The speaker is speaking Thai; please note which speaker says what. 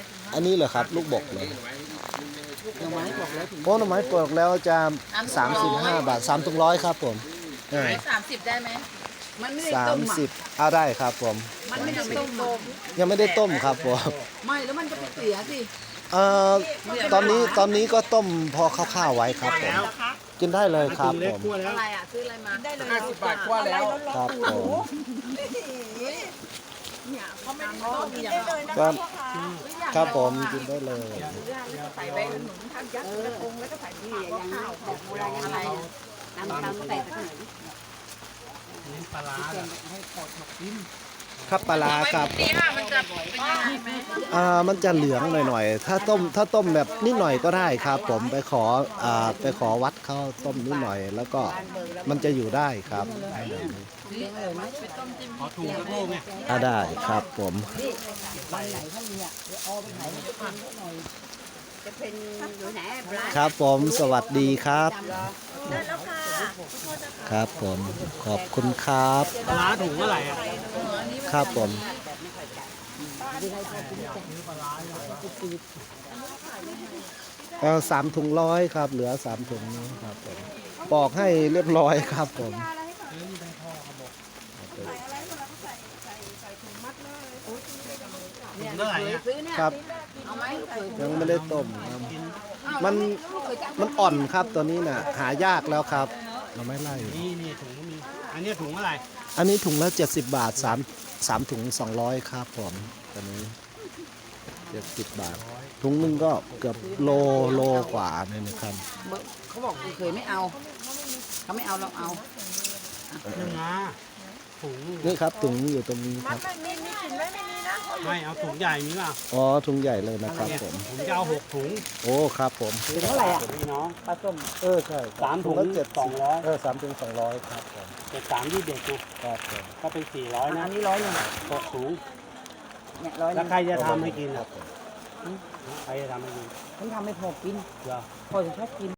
Speaker 1: อันนี้เหรอครับลูกบกเลย
Speaker 2: หน่อไม้บอกแล้วถึง
Speaker 1: โอ้หน่อไม้ปลอกแล้วจะ35 บาท3ถุง100ครับผม
Speaker 3: 30ได้ไหม
Speaker 2: มันไม่ได้ต้มอ่ะ
Speaker 1: 30เอาได้ครับผม
Speaker 2: มันไม่ได้ต้มอ่ะ
Speaker 1: ยังไม่ได้ต้มครับผม
Speaker 2: ไม่แล้วมันจะไปเสียสิ
Speaker 1: เอ่อตอนนี้ก็ต้มพอคร่าวๆไว้ครับผมกินได้เลยครับผม
Speaker 3: อะไรอ่ะซื้ออะไรมาได้เลย
Speaker 2: 50 บาทกว่าแล้ว
Speaker 1: ครับผม
Speaker 3: เนี่ยเขาไม่ได้ต้มอย่างเรา
Speaker 1: ก็ครับผมกินได้เลย
Speaker 3: ใส่ใบขนุนทันยัดกระพงแล้วก็ใส่ที่อย่างข้าวของโบราณอะไร
Speaker 2: น้ำตาลใส่สักหน่อย
Speaker 4: ปลาร้า
Speaker 1: ครับปลาร้าครับ
Speaker 3: ตีห้ามันจะเป็นยังไงไหม
Speaker 1: มันจะเหลืองหน่อยๆถ้าต้มแบบนิดหน่อยก็ได้ครับ ผมไปขอวัดเขาต้มนิดหน่อย แล้วก็มันจะอยู่ได้ครับ
Speaker 4: ขอถุงกระโปงเนี่ย
Speaker 1: ได้ครับผม
Speaker 2: จะเป็นอยู่ไหนปลา
Speaker 1: ครับผมสวัสดีครับ
Speaker 3: ได้แล้วค่ะ
Speaker 1: ครับผมขอบคุณครับ
Speaker 4: ปลาร้าถุงเท่าไหร่อ่ะ
Speaker 1: ครับผม3 ถุง100ครับเหลือ3 ถุงนี้ครับผมบอกให้เรียบร้อยครับผม
Speaker 4: ถุงเท่าไหร่อ่ะ
Speaker 2: ซื้อเนี่ย
Speaker 1: ครับ
Speaker 2: เอาไหม
Speaker 1: ยังไม่ได้ต้มครับมันอ่อนครับตัวนี้น่ะหายากแล้วครับเราไม่ไล่
Speaker 4: นี่ถุงก็มี อันนี้ถุงเท่าไหร่
Speaker 1: อันนี้ถุงละ70 บาท3ถุง200ครับผมตัวนี้70 บาทถุงหนึงก็เกือบโลกว่าเนี่ยนะครับ
Speaker 2: เขาบอกเคยไม่เอาเขาไม่เอาเราเอา
Speaker 4: หนึ่งนะถุง
Speaker 1: นี่ครับถุงอยู่ตรงนี้ครับ
Speaker 3: มีกลิ่นไหมไม่มีนะ
Speaker 4: ไม่เอาถุงใหญ่มีเปล่า
Speaker 1: อ๋อถุงใหญ่เลยนะครับ
Speaker 4: เนี่ย
Speaker 1: ผม
Speaker 4: ผมจะเอา6 ถุง
Speaker 1: โอ้ครับผม
Speaker 4: ถุงเท่าไหร่อ่ะพี่น้องปลาส้ม
Speaker 1: ใช่
Speaker 4: 3 ถุง
Speaker 1: ละ
Speaker 4: 200
Speaker 1: 3 ถุง200ครับผม
Speaker 4: 3ที่เด็กนะครับ
Speaker 1: ผม
Speaker 4: ก็เป็น400นะ
Speaker 2: อันนี้100นึง
Speaker 4: 6 ถุง
Speaker 2: เนี่ย100นึ
Speaker 4: แล้ว
Speaker 2: ง
Speaker 4: ใครจะทำให้กิน
Speaker 1: ครั
Speaker 4: อ่ะ
Speaker 1: บผม
Speaker 4: ใครจะทำให้กิน
Speaker 2: ฉันทำไม่พอกิน
Speaker 4: เหรอ
Speaker 2: พอจะชอบกิน